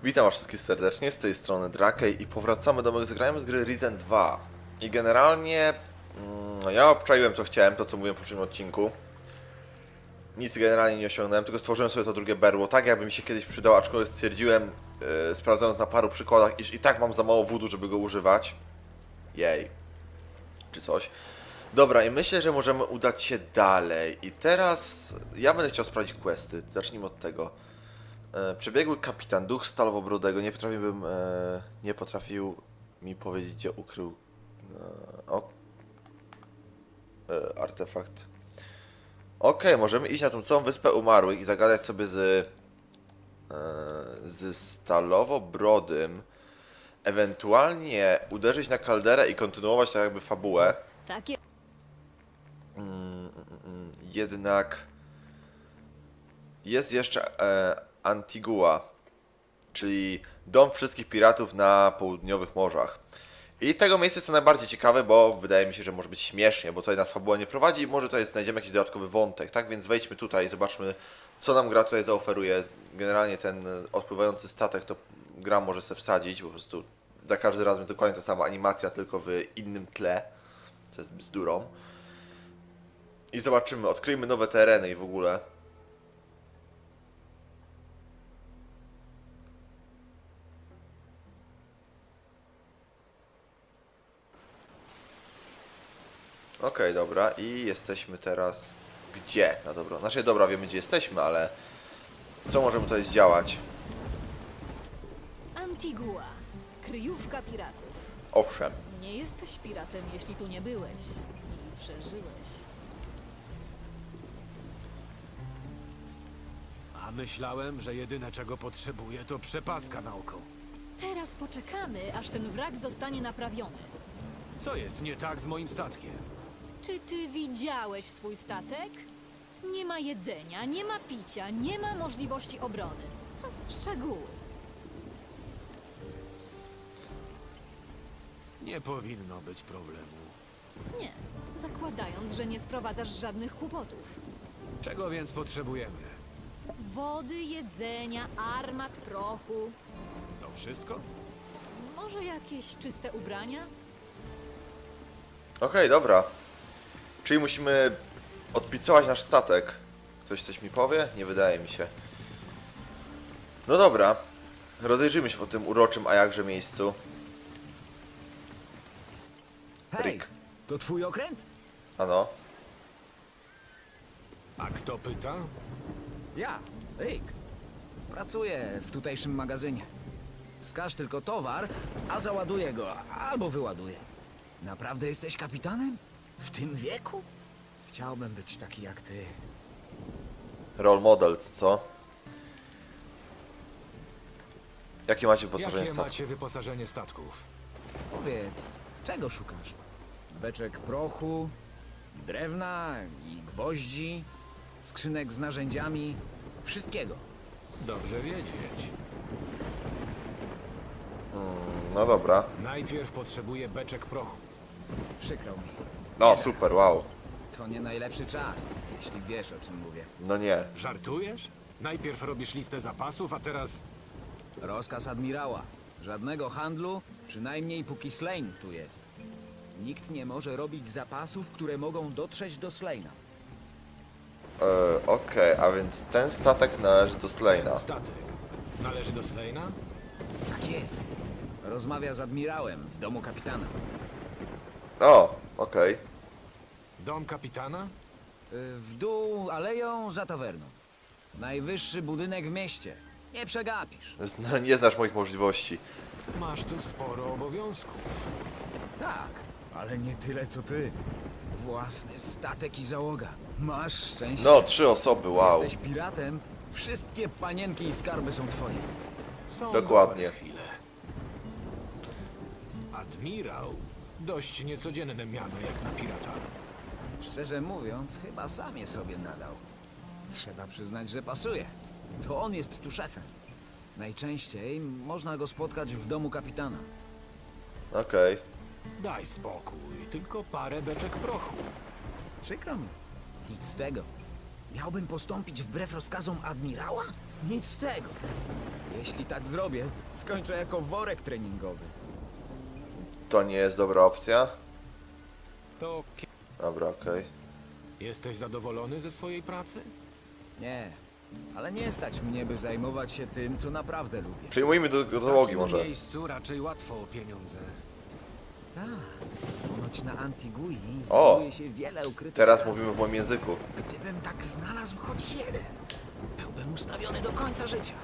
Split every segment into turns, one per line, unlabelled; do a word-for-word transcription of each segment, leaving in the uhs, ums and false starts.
Witam was wszystkich serdecznie, z tej strony Drakej i powracamy do mojego zagrania z gry Risen dwa. I generalnie mm, ja obczaiłem co chciałem, to co mówiłem w poprzednim odcinku. Nic generalnie nie osiągnąłem, tylko stworzyłem sobie to drugie berło, tak jakby mi się kiedyś przydało, aczkolwiek stwierdziłem, yy, sprawdzając na paru przykładach, iż i tak mam za mało wódu, żeby go używać. Jej. Czy coś. Dobra, i myślę, że możemy udać się dalej. I teraz ja będę chciał sprawdzić questy, zacznijmy od tego. E, przebiegły kapitan, duch Stalowobrodego, nie potrafiłbym, e, nie potrafił mi powiedzieć, gdzie ukrył e, o, e, artefakt. Okej, możemy iść na tą całą wyspę umarłych i zagadać sobie z, e, z Stalowobrodym, ewentualnie uderzyć na kalderę i kontynuować tak jakby fabułę.
Takie.
Mm, mm, mm, jednak jest jeszcze e, Antigua, czyli dom wszystkich piratów na południowych morzach. I tego miejsca jestem najbardziej ciekawy, bo wydaje mi się, że może być śmiesznie, bo tutaj nas fabuła nie prowadzi i może tutaj znajdziemy jakiś dodatkowy wątek, tak? Więc wejdźmy tutaj i zobaczmy, co nam gra tutaj zaoferuje. Generalnie ten odpływający statek to gra może sobie wsadzić, po prostu za każdym razem jest dokładnie ta sama animacja, tylko w innym tle, co jest bzdurą. I zobaczymy, odkryjmy nowe tereny i w ogóle. Okej, okay, dobra, i jesteśmy teraz gdzie? No dobra, znaczy dobra, wiemy gdzie jesteśmy, ale co możemy tutaj zdziałać?
Antigua, kryjówka piratów.
Owszem.
Nie jesteś piratem, jeśli tu nie byłeś i przeżyłeś.
A myślałem, że jedyne czego potrzebuję to przepaska na oko.
Teraz poczekamy, aż ten wrak zostanie naprawiony.
Co jest nie tak z moim statkiem?
Czy ty widziałeś swój statek? Nie ma jedzenia, nie ma picia, nie ma możliwości obrony. Ha, szczegóły.
Nie powinno być problemu.
Nie, zakładając, że nie sprowadzasz żadnych kłopotów.
Czego więc potrzebujemy?
Wody, jedzenia, armat, prochu.
To wszystko?
Może jakieś czyste ubrania?
Okej, okay, dobra. Czyli musimy odpicować nasz statek. Ktoś coś mi powie? Nie wydaje mi się. No dobra. Rozejrzyjmy się po tym uroczym, a jakże miejscu.
Hej,
Rick.
to twój okręt?
Ano.
A kto pyta?
Ja, Rick. Pracuję w tutejszym magazynie. Wskaż tylko towar, a załaduję go, albo wyładuję. Naprawdę jesteś kapitanem? W tym wieku? Chciałbym być taki jak ty.
Role model, co? Jakie macie wyposażenie
Jakie
statku?
macie wyposażenie statków?
Powiedz, czego szukasz? Beczek prochu, drewna i gwoździ, skrzynek z narzędziami, wszystkiego.
Dobrze wiedzieć.
No dobra.
Najpierw potrzebuję beczek prochu.
Przykro mi.
No super, wow.
To nie najlepszy czas, jeśli wiesz, o czym mówię.
No nie.
Żartujesz? Najpierw robisz listę zapasów, a teraz...
Rozkaz admirała. Żadnego handlu, przynajmniej póki Slane tu jest. Nikt nie może robić zapasów, które mogą dotrzeć do Slane'a.
E, Okej, okay, a więc ten statek należy do Slane'a.
Statek należy do Slane'a?
Tak jest. Rozmawia z admirałem w domu kapitana.
O, okej. Okay.
Dom kapitana?
Y, W dół aleją za tawerną. Najwyższy budynek w mieście. Nie przegapisz.
Zna, nie znasz moich możliwości.
Masz tu sporo obowiązków.
Tak, ale nie tyle co ty. Własny statek i załoga. Masz szczęście.
No, trzy osoby, wow.
Jesteś piratem, wszystkie panienki i skarby są twoje.
Są
Dokładnie.
dobre chwile. Admirał? Dość niecodzienne miano jak na pirata.
Szczerze mówiąc, chyba sam je sobie nadał. Trzeba przyznać, że pasuje. To on jest tu szefem. Najczęściej można go spotkać w domu kapitana.
Okej.
Daj spokój, tylko parę beczek prochu.
Przykro mi. Nic z tego. Miałbym postąpić wbrew rozkazom admirała? Nic z tego. Jeśli tak zrobię, skończę jako worek treningowy.
To nie jest dobra opcja.
To kie-
Dobra, okej.
jesteś zadowolony ze swojej pracy?
Nie, ale nie stać mnie, by zajmować się tym, co naprawdę lubię.
Przyjmujmy do, do
W
załogi
takim
może.
miejscu raczej łatwo o pieniądze.
Tak, ponoć na Antigui
O!
znajduje się wiele ukrytych
Teraz
skarbów.
mówimy w moim języku.
Gdybym tak znalazł choć jeden, byłbym ustawiony do końca życia.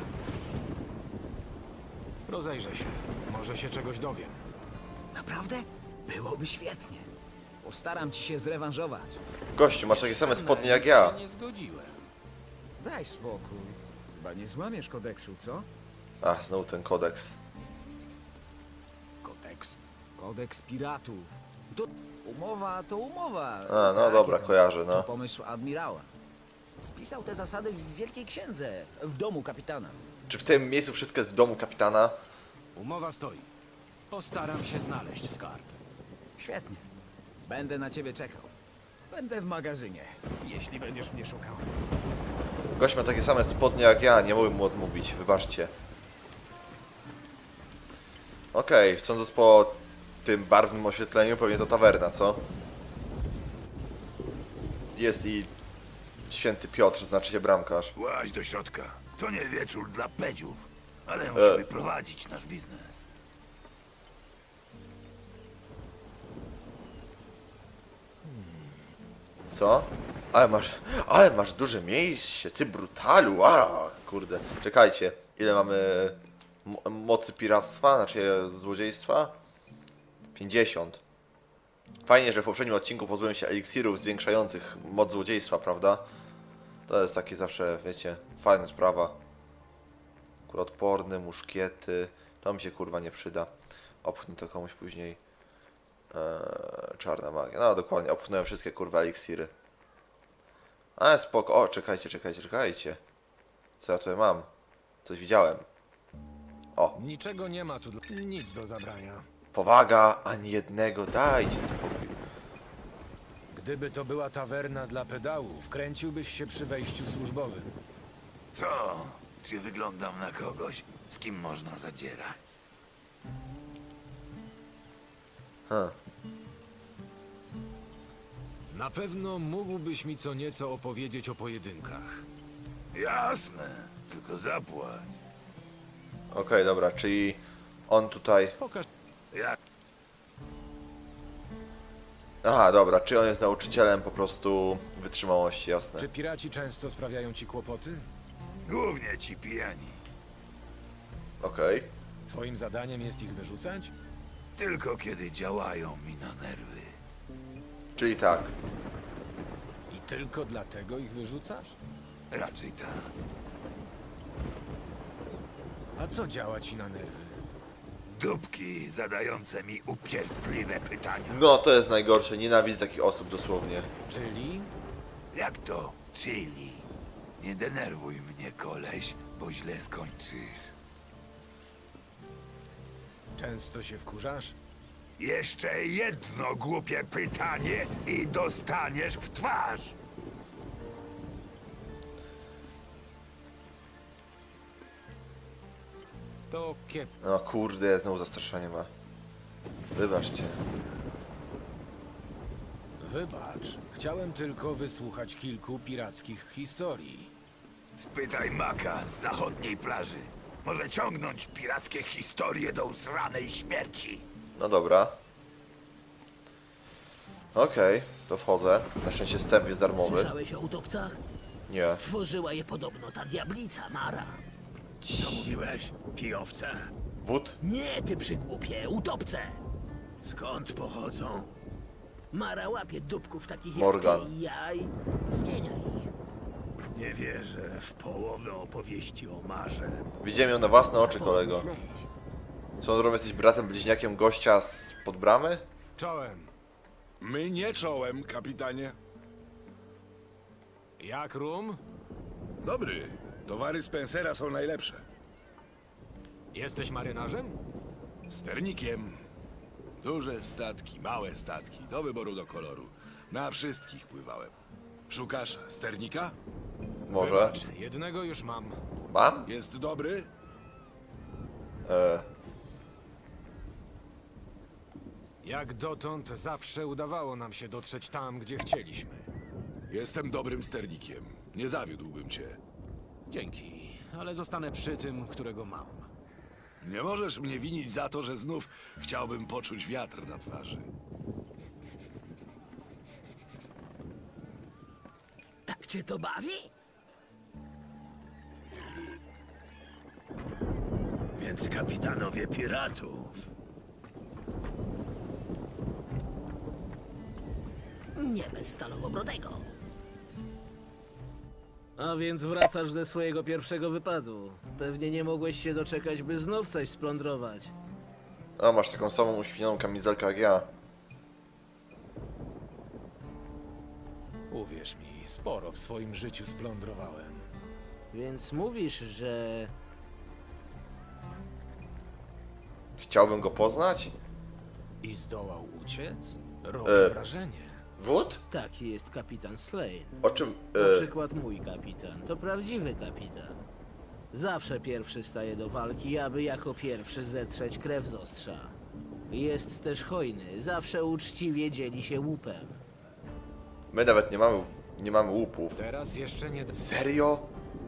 Rozejrzę się. Może się czegoś dowiem.
Naprawdę? Byłoby świetnie. Postaram ci się zrewanżować.
Gościu, masz takie same spodnie jak
Na
ja.
nic się nie zgodziłem.
Daj spokój. Chyba nie złamiesz kodeksu, co?
A, znowu ten kodeks.
Kodeks.
Kodeks piratów. To umowa to umowa.
A, no
Takie
dobra,
tam.
kojarzę,
To
no.
pomysł admirała. Spisał te zasady w Wielkiej Księdze, w domu kapitana.
Czy w tym miejscu wszystko jest w domu kapitana?
Umowa stoi. Postaram się znaleźć skarb.
Świetnie. Będę na ciebie czekał. Będę w magazynie, jeśli będziesz mnie szukał.
Gość ma takie same spodnie jak ja, nie mogłem mu odmówić, wybaczcie. Okej, sądząc po tym barwnym oświetleniu, pewnie to tawerna, co? Jest i święty Piotr, znaczy się bramkarz.
Łaź do środka. To nie wieczór dla pedziów, ale musimy prowadzić nasz biznes.
Co? Ale masz, ale masz duże miejsce, ty brutalu, a kurde. Czekajcie, ile mamy mo- mocy piractwa, znaczy złodziejstwa? pięćdziesiąt. Fajnie, że w poprzednim odcinku pozbyłem się eliksirów zwiększających moc złodziejstwa, prawda? To jest takie zawsze, wiecie, fajna sprawa. Kuloodporny, muszkiety, to mi się kurwa nie przyda. Opchnę to komuś później. Eee, czarna magia. No dokładnie, opchnąłem wszystkie kurwa eliksiry. Ale spoko. O, czekajcie, czekajcie, czekajcie. Co ja tutaj mam? Coś widziałem. O,
Niczego nie ma tu. Dla... Nic do zabrania.
powaga, ani jednego, dajcie spokój.
Gdyby to była tawerna dla pedałów, kręciłbyś się przy wejściu służbowym.
Co? Czy wyglądam na kogoś, z kim można zadzierać?
Huh.
Na pewno mógłbyś mi co nieco opowiedzieć o pojedynkach.
Jasne, tylko zapłać.
Okej, dobra, czyli on tutaj...
Pokaż.
Jak
Aha, dobra, czy on jest nauczycielem po prostu wytrzymałości, jasne.
Czy piraci często sprawiają ci kłopoty?
głównie ci pijani.
Okej.
Twoim zadaniem jest ich wyrzucać?
Tylko kiedy działają mi na nerwy.
Czyli tak.
I tylko dlatego ich wyrzucasz?
Raczej tak.
A co działa ci na nerwy?
Dupki zadające mi upierdliwe pytania.
No, to jest najgorsze, nienawidzę takich osób dosłownie.
Czyli?
Jak to? Chili. Nie denerwuj mnie, koleś, bo źle skończysz.
Często się wkurzasz?
Jeszcze jedno głupie pytanie i dostaniesz w twarz.
To kiep...
No kurde, znowu zastraszanie ma. Wybaczcie.
Wybacz. Chciałem tylko wysłuchać kilku pirackich historii.
Spytaj Maka z zachodniej plaży. Może ciągnąć pirackie historie do usranej śmierci.
No dobra. Okej, to wchodzę. Na szczęście wstęp jest darmowy.
Słyszałeś o utopcach?
Nie.
Stworzyła je podobno ta diablica Mara.
Co mówiłeś, kijowce?
Wód?
Nie, ty przygłupie, utopce!
Skąd pochodzą?
Mara łapie dupków takich
Morgan.
jak ty i ja i zmienia ich.
Nie wierzę w połowę opowieści o Marze.
Widziałem ją na własne oczy, kolego.
Powinieneś.
Co on robi? Jesteś bratem bliźniakiem gościa z pod bramy?
Czołem.
My nie czołem, kapitanie.
Jak rum?
Dobry. Towary Spencera są najlepsze.
Jesteś marynarzem?
Sternikiem. Duże statki, małe statki, do wyboru, do koloru. Na wszystkich pływałem. Szukasz sternika?
Może.
Wybacz, jednego już mam.
Mam?
Jest dobry?
E,
Jak dotąd zawsze udawało nam się dotrzeć tam, gdzie chcieliśmy.
Jestem dobrym sternikiem. Nie zawiódłbym cię.
Dzięki, ale zostanę przy tym, którego mam.
Nie możesz mnie winić za to, że znów chciałbym poczuć wiatr na twarzy.
Tak cię to bawi?
Więc kapitanowie piratów.
Nie bez Stalowobrodego.
A więc wracasz ze swojego pierwszego wypadu. Pewnie nie mogłeś się doczekać, by znów coś splądrować.
a masz taką samą uświnioną kamizelkę jak ja.
Uwierz mi, sporo w swoim życiu splądrowałem.
Więc mówisz, że...
Chciałbym go poznać?
I zdołał uciec? Robi
E.
wrażenie.
Wód?
Taki jest kapitan Slane.
O czym?
Na
E,
przykład mój kapitan. To prawdziwy kapitan. Zawsze pierwszy staje do walki, aby jako pierwszy zetrzeć krew z ostrza. Jest też hojny. Zawsze uczciwie dzieli się łupem.
my nawet nie mamy, nie mamy łupów.
Teraz jeszcze nie...
Serio?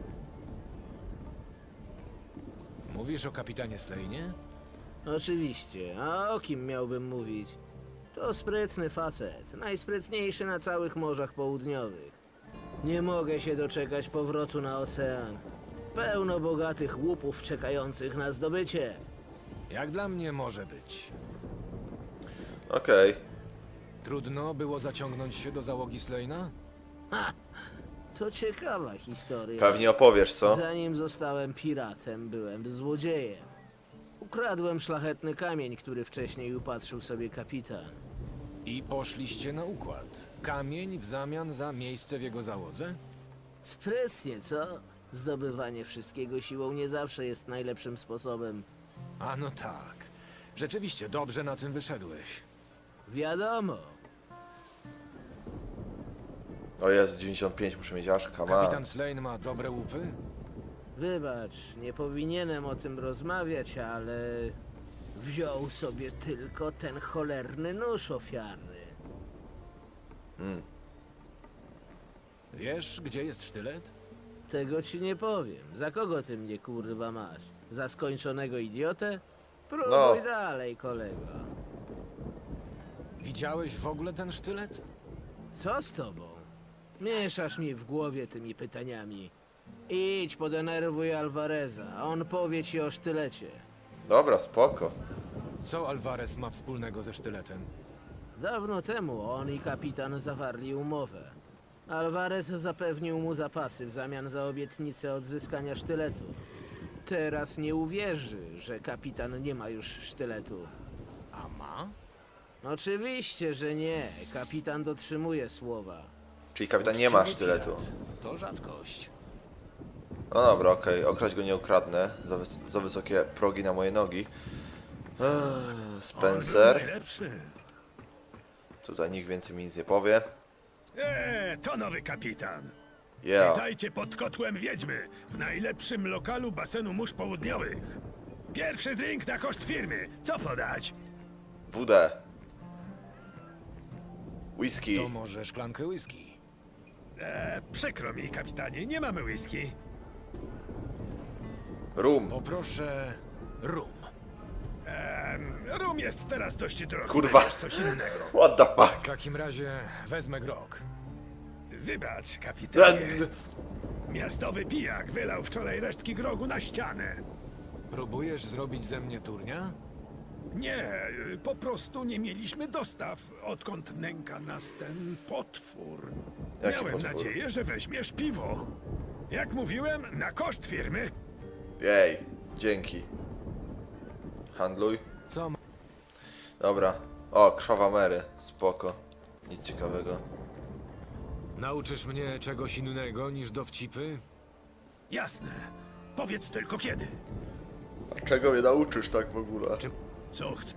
Mówisz o kapitanie Slane?
Oczywiście. A o kim miałbym mówić? To sprytny facet. Najsprytniejszy na całych morzach południowych. Nie mogę się doczekać powrotu na ocean. Pełno bogatych łupów czekających na zdobycie.
Jak dla mnie może być.
Okej.
Trudno było zaciągnąć się do załogi Slane'a?
Ha! To ciekawa historia.
Pewnie opowiesz, co?
Zanim zostałem piratem, byłem złodziejem. Ukradłem szlachetny kamień, który wcześniej upatrzył sobie kapitan.
I poszliście na układ. Kamień w zamian za miejsce w jego załodze?
Sprytnie, co? Zdobywanie wszystkiego siłą nie zawsze jest najlepszym sposobem.
A no tak. Rzeczywiście dobrze na tym wyszedłeś.
Wiadomo.
O Jezu, dziewięćdziesiąt pięć muszę mieć aż, come on.
Kapitan Slane ma dobre łupy?
Wybacz, nie powinienem o tym rozmawiać, ale wziął sobie tylko ten cholerny nóż ofiarny.
Wiesz, gdzie jest sztylet?
Tego ci nie powiem. Za kogo ty mnie kurwa masz? Za skończonego idiotę? Próbuj
No.
dalej, kolego.
Widziałeś w ogóle ten sztylet?
Co z tobą? Mieszasz mi w głowie tymi pytaniami. Idź, podenerwuj Alvareza, on powie ci o sztylecie.
Dobra, spoko.
Co Alvarez ma wspólnego ze sztyletem?
Dawno temu on i kapitan zawarli umowę. Alvarez zapewnił mu zapasy w zamian za obietnicę odzyskania sztyletu. Teraz nie uwierzy, że kapitan nie ma już sztyletu.
A ma?
Oczywiście, że nie. Kapitan dotrzymuje słowa.
Czyli kapitan nie ma
Uczciwy
sztyletu.
pirat. To rzadkość.
No dobra, okej, okraść go nie ukradnę. Za, wys- za wysokie progi na moje nogi. Eee, Spencer.
Najlepszy.
Tutaj nikt więcej mi nic nie powie.
Eee, to nowy kapitan.
Yeah.
Witajcie pod kotłem Wiedźmy, w najlepszym lokalu basenu mórz południowych. Pierwszy drink na koszt firmy. Co podać?
W D. Whisky.
To może szklankę whisky.
Eee, przykro mi, kapitanie, nie mamy whisky.
Rum.
Poproszę rum.
Eee, rum jest teraz dość drogi.
Kurwa.
Weź coś innego.
What the
W
fuck?
takim razie wezmę grog.
Wybacz,
E,
kapitanie. Miastowy pijak wylał wczoraj resztki grogu na ścianę.
Próbujesz zrobić ze mnie turnia?
Nie, po prostu nie mieliśmy dostaw, odkąd nęka nas ten potwór.
Jaki
Miałem
potwór?
nadzieję, że weźmiesz piwo. Jak mówiłem, na koszt firmy.
Jej, dzięki. Handluj.
Co ma...
Dobra. O, krwawa Mary. Spoko. Nic ciekawego.
Nauczysz mnie czegoś innego niż dowcipy?
Jasne. Powiedz tylko kiedy.
A czego mnie nauczysz tak w ogóle?
Co chcesz?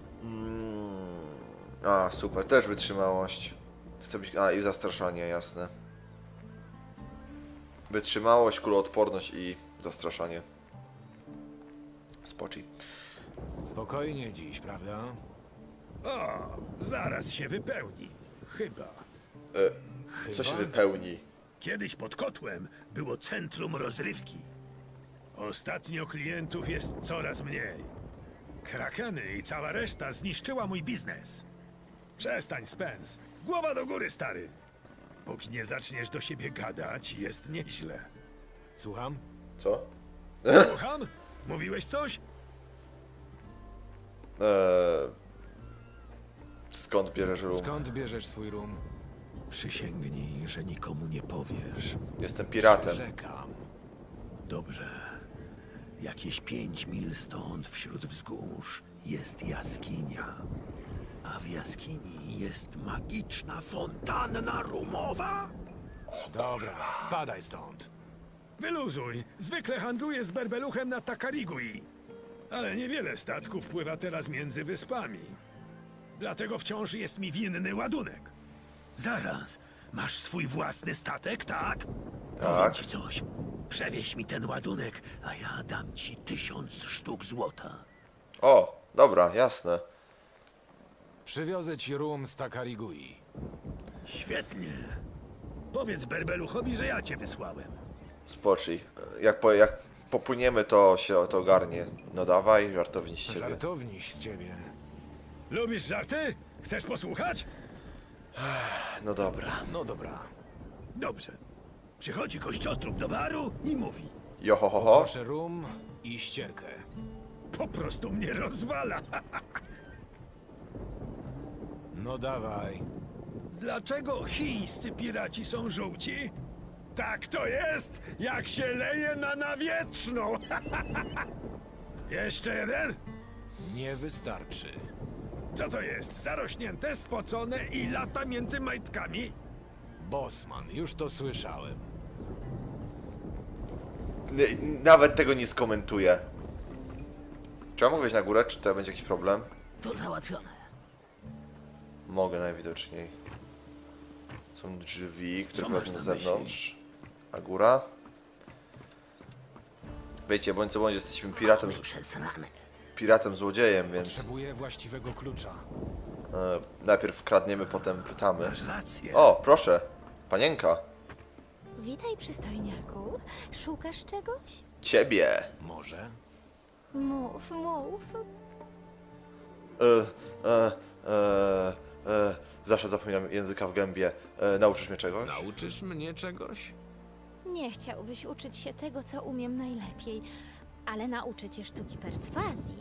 A, super. Też wytrzymałość. Chcę być... A, i zastraszanie, jasne. Wytrzymałość, kuloodporność i Zastraszanie. Spoczy.
Spokojnie dziś, prawda?
O, zaraz się wypełni. Chyba.
E, co się wypełni?
Kiedyś pod kotłem było centrum rozrywki. Ostatnio klientów jest coraz mniej. Krakeny i cała reszta zniszczyła mój biznes. Przestań, Spence. Głowa do góry, stary. Póki nie zaczniesz do siebie gadać, jest nieźle.
Słucham?
Co?
Słucham? Mówiłeś coś?
Eee, skąd bierzesz rum?
Skąd bierzesz swój rum?
Przysięgnij, że nikomu nie powiesz.
Jestem piratem.
Czekam.
Dobrze. Jakieś pięć mil stąd, wśród wzgórz, jest jaskinia. A w jaskini jest magiczna fontanna rumowa.
Dobra, spadaj stąd.
Wyluzuj. Zwykle handluję z berbeluchem na Takarigui. Ale niewiele statków pływa teraz między wyspami. Dlatego wciąż jest mi winny ładunek. Zaraz. Masz swój własny statek, tak? Powiem
Tak.
ci coś. Przewieź mi ten ładunek, a ja dam ci tysiąc sztuk złota.
O, dobra, jasne.
Przywiozę ci rum z Takarigui.
Świetnie. Powiedz berbeluchowi, że ja cię wysłałem.
Spoczy. Jak, po, jak popłyniemy, to się to ogarnie. No dawaj, żartownik z ciebie.
Żartowniś z ciebie.
Lubisz żarty? Chcesz posłuchać?
No dobra.
No dobra.
Dobrze. Przychodzi kościotrup do baru i mówi:
Jo ho ho ho.
Proszę rum i ścierkę.
po prostu mnie rozwala.
No dawaj.
Dlaczego chińscy piraci są żółci? Tak to jest, jak się leje na nawietrzną. Jeszcze jeden?
Nie wystarczy.
Co to jest? Zarośnięte, spocone i lata między majtkami?
Bosman, już to słyszałem.
N- Nawet tego nie skomentuję. Czy ja mogę wejść na górę? Czy to będzie jakiś problem?
To załatwione.
Mogę najwidoczniej. Są drzwi, które
Co masz
prowadzą na
na myśli?
zewnątrz. A góra? Wiecie, bądź co bądź, jesteśmy piratem,
Nie przez ranę.
piratem złodziejem, więc
Potrzebuję właściwego klucza.
e, najpierw kradniemy, potem pytamy.
Masz rację.
O, proszę, panienka,
Witaj, przystojniaku. Szukasz czegoś?
ciebie.
Może?
Mów, mów.
E, e, e, e, zawsze zapominam języka w gębie. E, nauczysz mnie czegoś?
Nauczysz mnie czegoś?
Nie chciałbyś uczyć się tego, co umiem najlepiej, ale nauczę cię sztuki perswazji.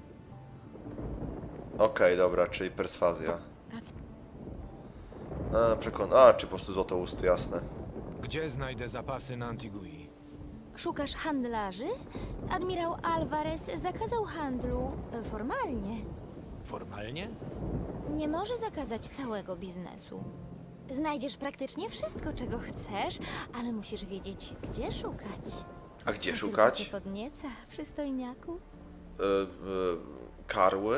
Okej, dobra, czyli perswazja.
A co?
E, przekon... A, czy po prostu złotousty, jasne.
Gdzie znajdę zapasy na Antigui?
Szukasz handlarzy? Admirał Alvarez zakazał handlu e, formalnie.
Formalnie?
Nie może zakazać całego biznesu. Znajdziesz praktycznie wszystko, czego chcesz, ale musisz wiedzieć, gdzie szukać.
A gdzie
To
szukać?
Tylko cię podnieca, przystojniaku.
E, e, karły?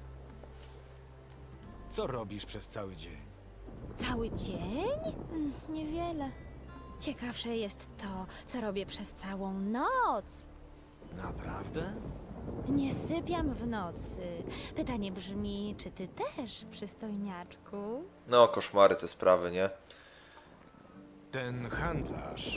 Co robisz przez cały dzień?
Cały dzień? Mm, Niewiele. Ciekawsze jest to, co robię przez całą noc.
Naprawdę?
Nie sypiam w nocy. Pytanie brzmi, czy ty też, przystojniaczku?
No, koszmary te sprawy, nie?
Ten handlarz.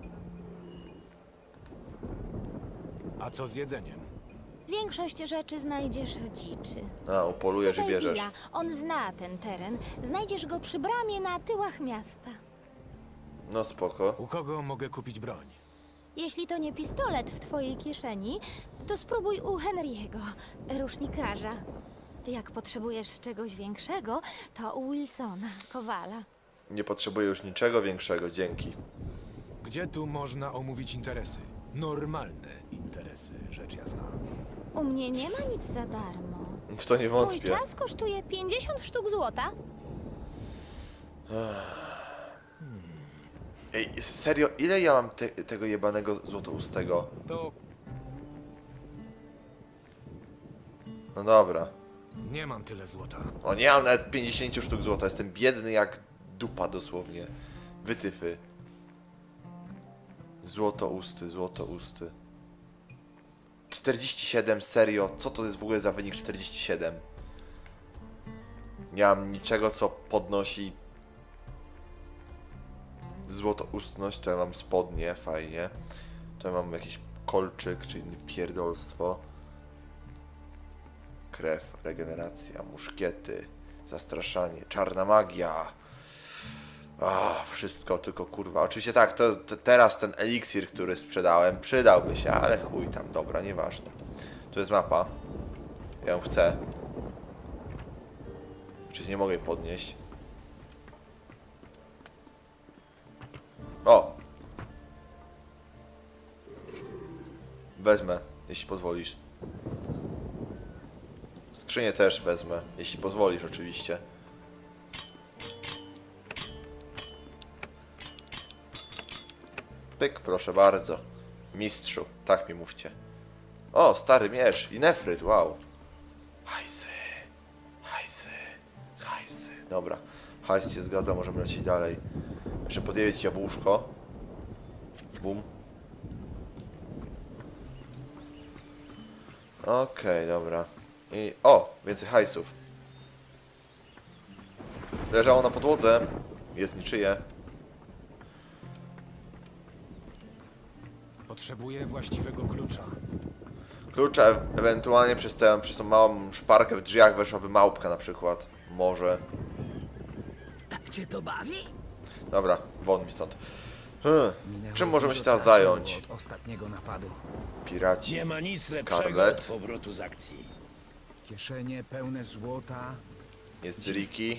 A co z jedzeniem?
Większość rzeczy znajdziesz w dziczy.
A, upolujesz i
Spytaj
bierzesz.
Billa, on zna ten teren. Znajdziesz go przy bramie na tyłach miasta.
No spoko.
U kogo mogę kupić broń?
Jeśli to nie pistolet w twojej kieszeni, to spróbuj u Henry'ego, rusznikarza. Jak potrzebujesz czegoś większego, to u Wilsona, kowala.
Nie potrzebuję już niczego większego, dzięki.
Gdzie tu można omówić interesy? Normalne interesy, rzecz jasna.
U mnie nie ma nic za darmo.
W to nie
Mój
wątpię.
czas kosztuje pięćdziesiąt sztuk złota.
Ej, serio, ile ja mam te, tego jebanego złotoustego?
To
No dobra.
nie mam tyle złota.
O, nie mam nawet pięćdziesiąt sztuk złota, jestem biedny jak dupa dosłownie. Wytyfy. Złotousty, złotousty. czterdzieści siedem, serio? Co to jest w ogóle za wynik czterdzieści siedem? Nie mam niczego, co podnosi złotoustność. To ja mam spodnie, fajnie. To ja mam jakiś kolczyk, czy inny pierdolstwo. Krew, regeneracja, muszkiety, zastraszanie, czarna magia. A, wszystko, tylko kurwa. Oczywiście tak, to, to teraz ten eliksir, który sprzedałem, przydałby się, ale chuj tam, dobra, nieważne. Tu jest mapa. Ja ją chcę. Czy nie mogę jej podnieść? O! Wezmę, jeśli pozwolisz. Skrzynię też wezmę, jeśli pozwolisz oczywiście. Pyk, proszę bardzo. Mistrzu, tak mi mówcie. O, stary miecz i nefryt, wow. Hajsy, hajsy, hajsy. Dobra, hajs się zgadza, możemy lecieć dalej. Jeszcze podjeść jabłuszko. Bum. Okej, okay, dobra. I o, więcej hajsów. Leżało na podłodze. Jest niczyje.
Potrzebuję właściwego klucza.
Klucza e ewentualnie przez tę, przez tą małą szparkę w drzwiach weszłaby małpka na przykład. Może.
Tak cię to bawi?
Dobra, won mi stąd. Hmm.
Minęło
Czym możemy
dużo
się teraz
czasu
zająć?
od ostatniego napadu.
Piraci.
Nie ma nic lepszego
Scarlet.
od powrotu z akcji.
Kieszenie pełne złota.
Jest Ricky.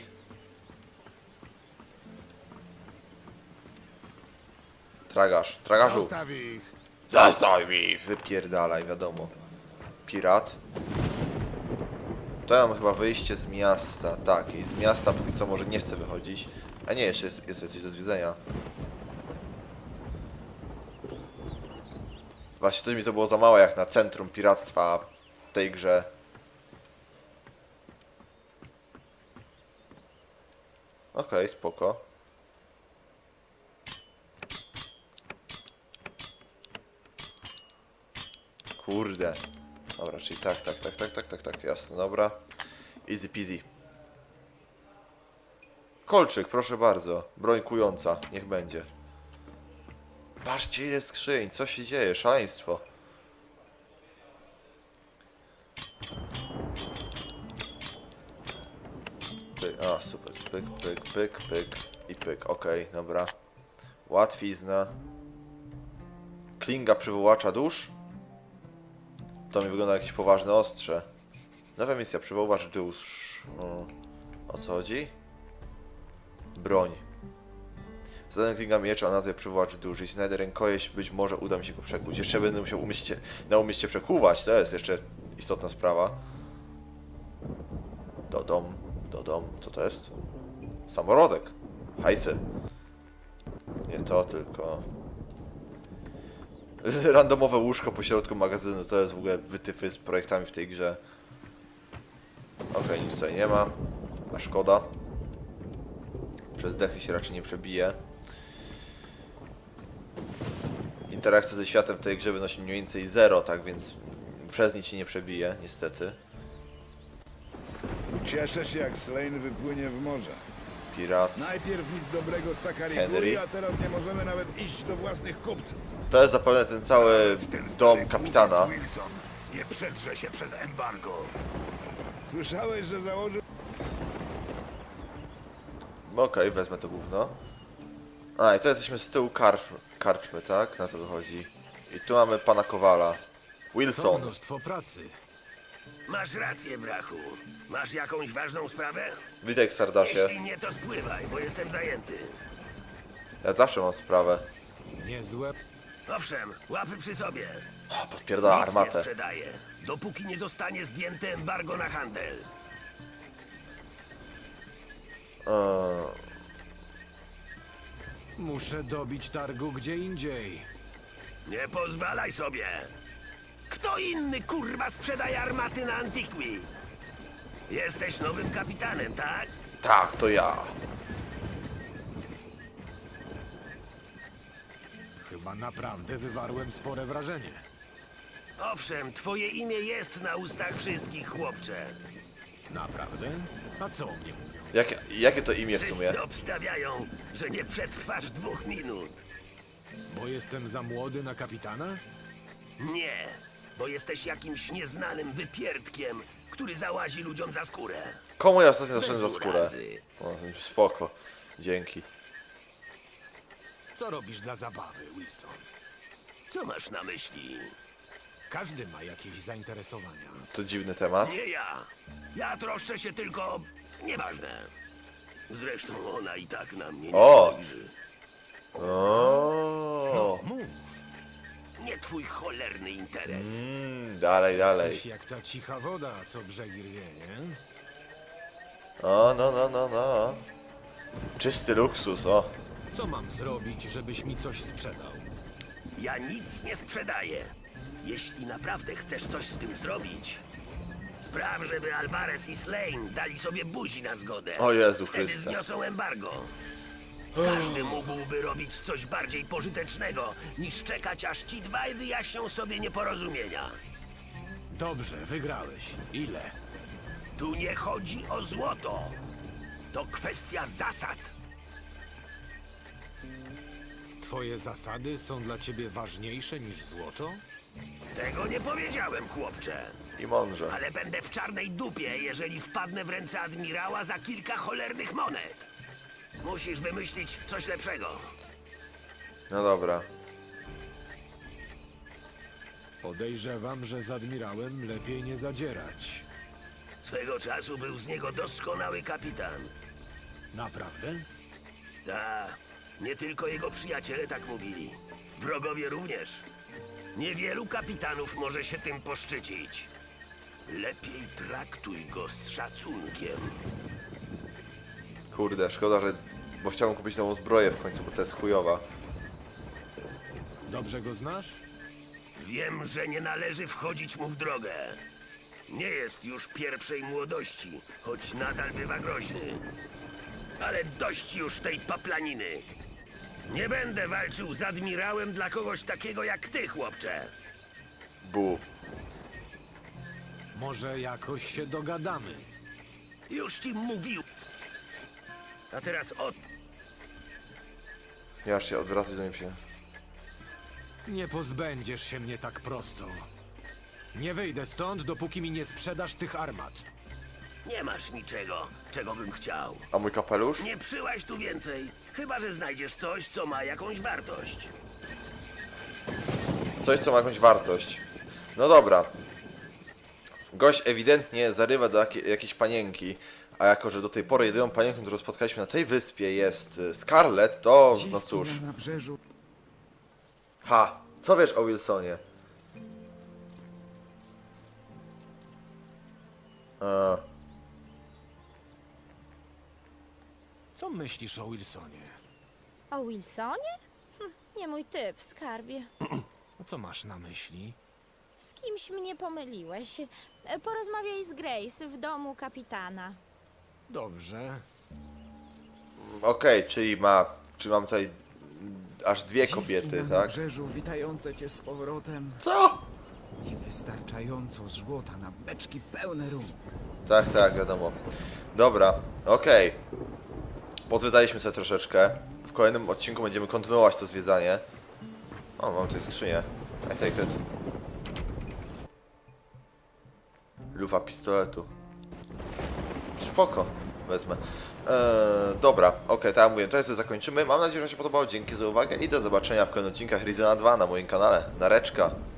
Tragarz. Tragarzu.
Zostaw ich.
Zostaw mi! Wypierdalaj, wiadomo. Pirat. To ja mam chyba wyjście z miasta. Tak, i z miasta póki co może nie chcę wychodzić. A nie, jeszcze jest, jest coś do zwiedzenia. Właśnie to mi to było za małe jak na centrum piractwa w tej grze. Okej, okay, spoko. Kurde. Dobra, czyli tak, tak, tak, tak, tak, tak, tak, jasne, dobra. Easy peasy. Kolczyk, proszę bardzo. Broń kująca, niech będzie. Patrzcie ile skrzyń, co się dzieje, szaleństwo. Pyk, a super, pyk, pyk, pyk, pyk i pyk, okej, okay, dobra. Łatwizna. Klinga przywołacza dusz. To mi wygląda jakieś poważne ostrze. Nowa misja, przywołacz dusz. O, o co chodzi? Broń. Zadanie klinga miecza o nazwie przywołacz dusz. Jeśli znajdę rękojeść, być może uda mi się go przekuć. Jeszcze będę musiał umieć się, naumieć się przekuwać. To jest jeszcze istotna sprawa. Dodom, dodom, co to jest? Samorodek. Hajsy. Nie to, tylko... Randomowe łóżko po środku magazynu, to jest w ogóle wytyfy z projektami w tej grze. Okej, okay, nic tutaj nie ma. A szkoda. Przez dechy się raczej nie przebije. Interakcja ze światem w tej grze wynosi mniej więcej zero, tak więc przez nic się nie przebije, niestety.
Cieszę się, jak Slane wypłynie w morze.
Pirat.
Najpierw nic dobrego z
Henry.
Takariguri, a teraz nie możemy nawet iść do własnych kupców.
To jest zapewne ten cały dom kapitana.
Wilson nie przedrze się przez embargo.
Słyszałeś, że założył...
Okej, okay, wezmę to gówno. A, i to jesteśmy z tyłu karczmy, karczmy, tak? Na to wychodzi. I tu mamy pana Kowala.
To
Wilson.
mnóstwo pracy.
Masz rację, brachu. Masz jakąś ważną sprawę?
Witaj, Sardasie.
Jeśli nie, to spływaj, bo jestem zajęty.
Ja zawsze mam sprawę.
Niezłe.
Owszem, łapy przy sobie.
O, podpierdala
Nic nie
armatę.
sprzedaję, dopóki nie zostanie zdjęte embargo na handel.
Eee,
Muszę dobić targu gdzie indziej.
Nie pozwalaj sobie. Kto inny, kurwa, sprzedaje armaty na Antiqui? Jesteś nowym kapitanem, tak?
tak, to ja.
Chyba Chyba naprawdę wywarłem spore wrażenie.
Owszem, twoje imię jest na ustach wszystkich, chłopcze.
Naprawdę? A co o mnie mówią?
Jak, jakie to imię w sumie?
Wszyscy obstawiają, że nie przetrwasz dwóch minut.
Bo jestem za młody na kapitana?
Nie, bo jesteś jakimś nieznanym wypierdkiem, który załazi ludziom za skórę.
Komu ja ostatnio zaszedłem za
Bez
skórę?
urazy.
O, spoko. Dzięki.
Co robisz dla zabawy, Wilson?
Co masz na myśli?
Każdy ma jakieś zainteresowania.
To dziwny temat.
Nie ja. Ja troszczę się tylko... Nieważne. Zresztą ona i tak na mnie nie
O!
spojrzy.
O.
Mów.
Nie twój cholerny interes.
Mm, dalej, dalej.
Jesteś jak ta cicha woda, co brzegi rwie, nie?
O, no, no, no, no. Czysty luksus, o.
Co mam zrobić, żebyś mi coś sprzedał?
Ja nic nie sprzedaję. Jeśli naprawdę chcesz coś z tym zrobić, spraw, żeby Alvarez i Slane dali sobie buzi na zgodę.
O Jezu
Wtedy
Chryste.
zniosą embargo. Każdy mógłby robić coś bardziej pożytecznego, niż czekać, aż ci dwaj wyjaśnią sobie nieporozumienia.
Dobrze, wygrałeś. Ile?
Tu nie chodzi o złoto. To kwestia zasad.
Twoje zasady są dla ciebie ważniejsze niż złoto?
Tego nie powiedziałem, chłopcze.
I mądrze.
Ale będę w czarnej dupie, jeżeli wpadnę w ręce admirała za kilka cholernych monet. Musisz wymyślić coś lepszego.
No dobra.
Podejrzewam, że z admirałem lepiej nie zadzierać.
Swego czasu był z niego doskonały kapitan.
Naprawdę?
Ta, nie tylko jego przyjaciele tak mówili. Wrogowie również. Niewielu kapitanów może się tym poszczycić. Lepiej traktuj go z szacunkiem.
Kurde, szkoda, że... Bo chciałem kupić nową zbroję w końcu, bo to jest chujowa.
Dobrze go znasz?
Wiem, że nie należy wchodzić mu w drogę. Nie jest już pierwszej młodości, choć nadal bywa groźny. Ale dość już tej paplaniny. Nie będę walczył z admirałem dla kogoś takiego jak ty, chłopcze.
Bu.
Może jakoś się dogadamy.
Już ci mówił. A teraz o...
Ja aż się odwracać do niej się.
Nie pozbędziesz się mnie tak prosto. Nie wyjdę stąd, dopóki mi nie sprzedasz tych armat.
Nie masz niczego, czego bym chciał.
A mój kapelusz?
Nie przyłaś tu więcej, chyba że znajdziesz coś, co ma jakąś wartość.
Coś, co ma jakąś wartość. No dobra. Gość ewidentnie zarywa do jakiej, jakiejś panienki, a jako, że do tej pory jedyną panienką, którą spotkaliśmy na tej wyspie jest y, Scarlett, to no cóż.
Na nabrzeżu.
Ha! Co wiesz o Wilsonie? A,
Co myślisz o Wilsonie?
O Wilsonie? Hm, nie mój typ, skarbie.
A co masz na myśli?
Z kimś mnie pomyliłeś. E, Porozmawiaj z Grace w domu kapitana.
Dobrze.
Okej, czyli ma... Czy mam tutaj aż dwie kobiety,
na
tak?
nabrzeżu witające cię z powrotem.
Co?
Niewystarczająco złota na beczki pełne rum.
Tak, tak, wiadomo. Dobra, okej. Pozwiedzaliśmy sobie troszeczkę. W kolejnym odcinku będziemy kontynuować to zwiedzanie. O, mam tutaj skrzynię. I take it. Lufa pistoletu. Spoko, wezmę. Eee, dobra, okej, tak jak mówiłem, to jest co zakończymy. Mam nadzieję, że się podobało. Dzięki za uwagę i do zobaczenia w kolejnych odcinkach Rizena dwa na moim kanale. Nareczka.